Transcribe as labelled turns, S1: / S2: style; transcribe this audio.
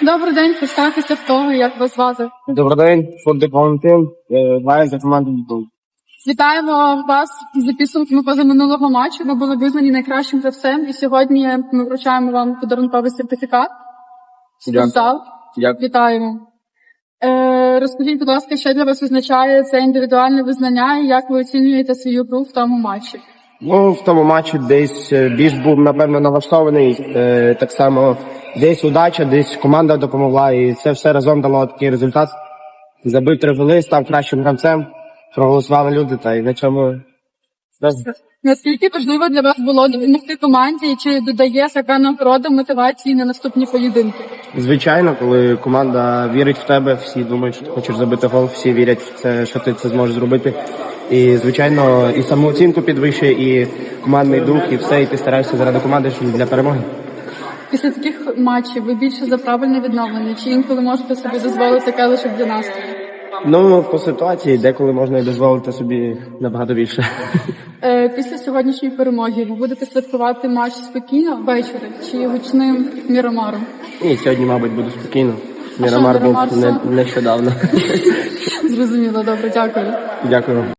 S1: Добрий день, представтеся в того, як вас звати.
S2: Добрий день, Фордик Валентин, граю за команду Дніпро.
S1: Вітаємо вас за підсумками позаминулого матчу. Ви були визнані найкращим гравцем, і сьогодні ми вручаємо вам подарунковий сертифікат. Спортзал.
S2: Дякую.
S1: Вітаємо. Розкажіть, будь ласка, що для вас означає це індивідуальне визнання і як ви оцінюєте свою гру в тому матчі?
S2: Ну, в тому матчі десь більш був, напевно, налаштований. Так само десь удача, десь команда допомогла, і це все разом дало такий результат. Забив 3 голи, став кращим гравцем, проголосували люди, та й на чому...
S1: Наскільки важливо для вас було допомогти команді, і чи додає така нагорода мотивації на наступні поєдинки?
S2: Звичайно, коли команда вірить в тебе, всі думають, що ти хочеш забити гол, всі вірять в це, що ти це зможеш зробити. І, звичайно, і самооцінку підвищує, і командний дух, і все, і ти стараєшся заради команди для перемоги.
S1: Після таких матчів ви більше за правильне відновлення, чи інколи можете собі дозволити таке лише для настрою?
S2: Ну, по ситуації, деколи можна і дозволити собі набагато більше.
S1: Після сьогоднішньої перемоги ви будете святкувати матч спокійно ввечері чи гучним міромаром?
S2: Ні, сьогодні, мабуть, буду спокійно.
S1: що,
S2: Мірамар
S1: Мірамар
S2: був нещодавно.
S1: Зрозуміло, добре, дякую.
S2: Дякую.